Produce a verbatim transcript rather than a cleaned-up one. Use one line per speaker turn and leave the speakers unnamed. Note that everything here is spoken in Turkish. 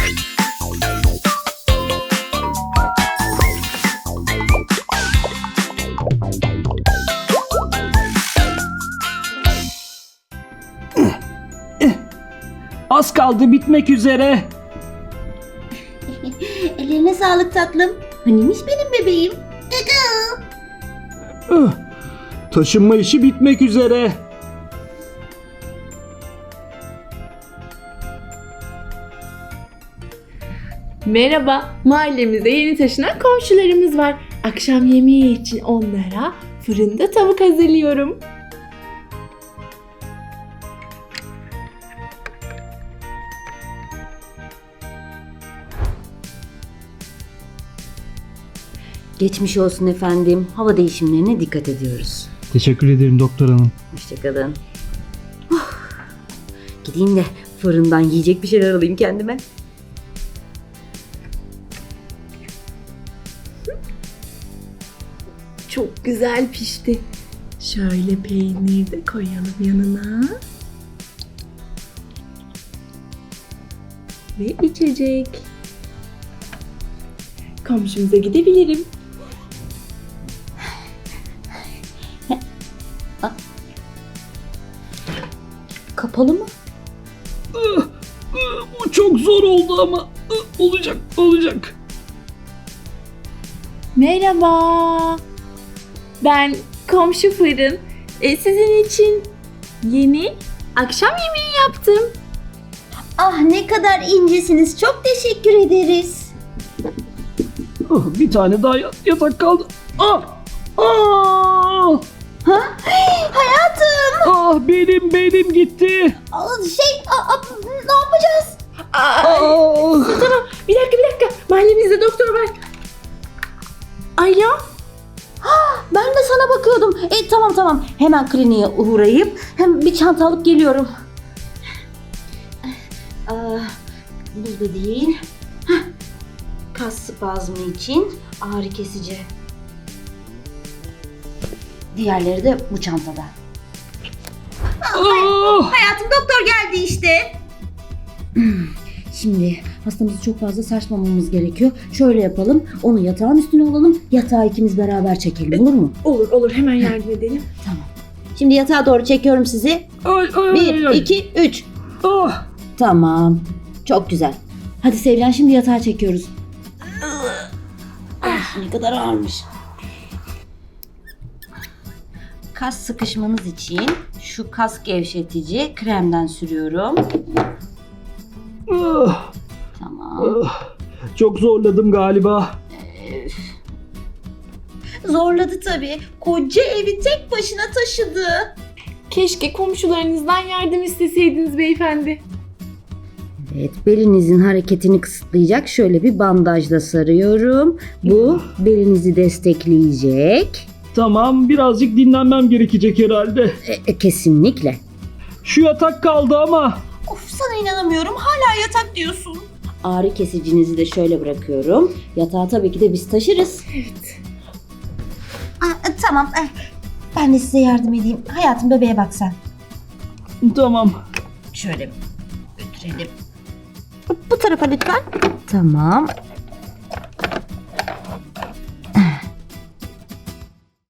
Az kaldı, bitmek üzere.
Ellerine sağlık tatlım. Hanimiş benim bebeğim.
Üh, Taşınma işi bitmek üzere.
Merhaba, mahallemize yeni taşınan komşularımız var. Akşam yemeği için onlara fırında tavuk hazırlıyorum.
Geçmiş olsun efendim. Hava değişimlerine dikkat ediyoruz.
Teşekkür ederim doktor hanım.
Hoşçakalın. Oh, gideyim de fırından yiyecek bir şeyler alayım kendime.
Çok güzel pişti. Şöyle peynir de koyalım yanına. Ve içecek. Komşumuza gidebilirim.
Kapalı mı?
Bu çok zor oldu ama olacak, olacak.
Merhaba. Ben komşu fırın. E, sizin için yeni akşam yemeği yaptım.
Ah ne kadar incesiniz. Çok teşekkür ederiz.
Ah, bir tane daha yatak kaldı. Ah! Ah!
Ha? Hey, hayatım.
Ah, benim benim gitti.
Aa, Şey, aa, aa, ne yapacağız?
Aa,
Ah!
tamam, bir dakika bir dakika. Mahallemizde doktor var. Alo.
Ben de sana bakıyordum. E, tamam tamam. Hemen kliniğe uğrayıp hem bir çanta alıp geliyorum. Aa, burada değil. Hah, kas spazmı için ağrı kesici. Diğerleri de bu çantada.
Ah!
Hayatım doktor geldi işte. Şimdi hastamızı çok fazla sarsmamamız gerekiyor. Şöyle yapalım. Onu yatağın üstüne alalım. Yatağı ikimiz beraber çekelim. Olur mu?
Olur olur, hemen yardım edelim.
Tamam. Şimdi yatağa doğru çekiyorum sizi.
Ay, ay,
Bir,
ay, ay.
iki, üç.
Ah!
Tamam. Çok güzel. Hadi Sevcan şimdi yatağa çekiyoruz. Ah, ne kadar ağırmış. Kas sıkışmanız için şu kas gevşetici kremden sürüyorum.
Ah!
Tamam.
Ah! Çok zorladım galiba.
Zorladı tabii. Koca evi tek başına taşıdı.
Keşke komşularınızdan yardım isteseydiniz beyefendi.
Evet, belinizin hareketini kısıtlayacak şöyle bir bandajla sarıyorum. Bu belinizi destekleyecek.
Tamam, birazcık dinlenmem gerekecek herhalde.
E, e, kesinlikle.
Şu yatak kaldı ama.
Of, sana inanamıyorum. Hala yatak diyorsun. Ağrı kesicinizi de şöyle bırakıyorum. Yatağı tabii ki de biz taşırız.
Evet.
Aa, tamam. Ben de size yardım edeyim. Hayatım, bebeğe bak sen.
Tamam.
Şöyle götürelim. Bu tarafa lütfen. Tamam.